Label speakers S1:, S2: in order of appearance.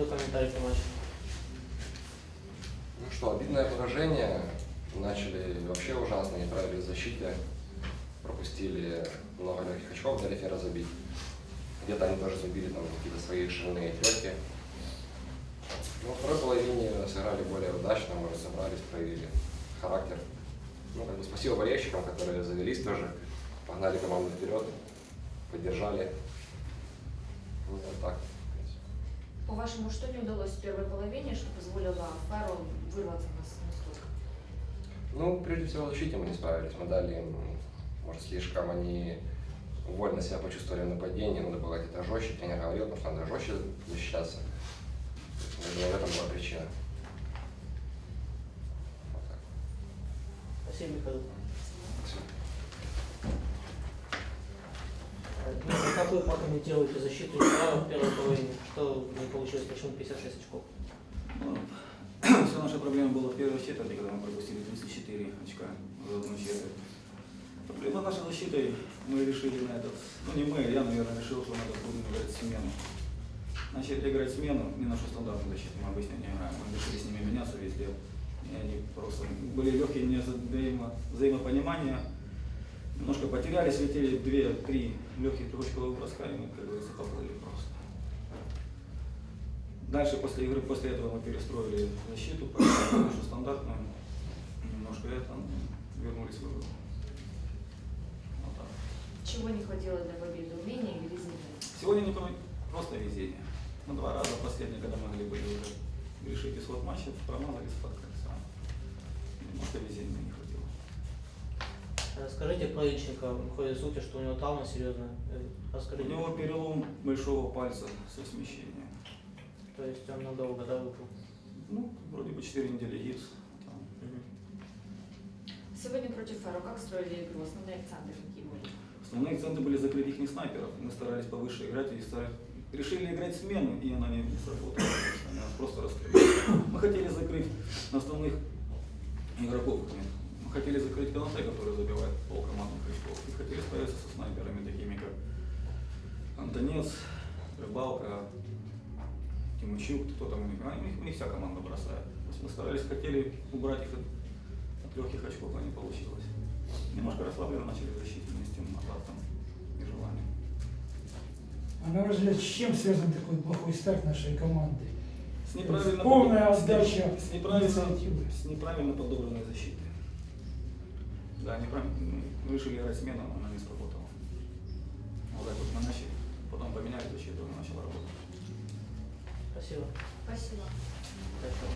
S1: Твой комментарий по матчу.
S2: Ну что, обидное поражение. Начали вообще ужасно, не справились в защите. Пропустили много легких очков, дали Фера забить. Где-то они тоже забили там какие-то свои шальные треки. Но во второй половине сыграли более удачно, мы разобрались, проявили характер. Ну, как бы спасибо болельщикам, которые завелись тоже, погнали команду вперед, поддержали. Ну, вот так.
S3: По-вашему, что не удалось в первой половине, что позволило Феру вырваться на столько?
S2: Ну, прежде всего, в защите мы не справились. Мы дали им, может, слишком они вольно себя почувствовали в нападении, надо было где-то жестче, тренер говорил, потому что надо жестче защищаться. Я думаю, в этом была причина. Вот так.
S1: Спасибо, Михаил.
S2: Спасибо.
S1: Ну, как вы прокомментируете защиту Фера в первой половине? Что не получилось, почему 56 очков?
S4: Вся наша проблема была в первой четверти, когда мы пропустили 34 очка за одну четверть. Проблема нашей защитой, мы решили на этот, ну не мы, я, наверное, решил, что надо будем играть смену. Начали играть смену, не нашу стандартную защиту, мы обычно не играем, мы решили с ними меняться везде. И они просто были легкие взаимопонимания, немножко потерялись, летели 2-3 легких трехочковых броска, и мы, как говорится, поплыли просто. Дальше после игры, после этого мы перестроили защиту, нашу стандартную, немножко это, вернулись в игру. Вот так.
S3: Чего не хватило для победы? Умения или везения?
S4: Сегодня не просто везение. Мы 2 раза последние, когда могли были уже решить исход матча, промазались под кольца. Немножко везения не хватило.
S1: Расскажите про Ильченко, ходят слухи, что у него травма серьезная.
S4: У
S1: Расскажите.
S4: него перелом большого пальца со смещением.
S1: То есть он надолго, да, выпал?
S4: Ну, вроде бы 4 недели гипс.
S3: Сегодня против Фера как строили игру? Основные акценты какие были?
S4: Основные акценты были закрыть их снайперов. Мы старались повыше играть и решили играть смену, и она не сработала. Они нас просто расстреляли. Мы хотели закрыть основных игроков. Мы хотели закрыть Канате, который забивает полкомандных очков. И хотели справиться со снайперами, такими как Антонец, Рыбалка, Тимучук, кто там у них вся команда бросает. То есть мы старались, хотели убрать их от легких очков, а не получилось. Немножко расслабленно начали в защите вместе с азартом и желанием.
S5: А на ваш взгляд, с чем связан такой плохой старт нашей команды?
S4: С неправильно,
S5: Полная отдача
S4: с
S5: инициативы.
S4: неправильно подобранной защитой. Да, неправильно. Мы решили играть смену, она не сработала. Вот так вот мы начали, потом поменяли защиту, она начала работать.
S1: Спасибо.
S3: Спасибо.
S1: Хорошо.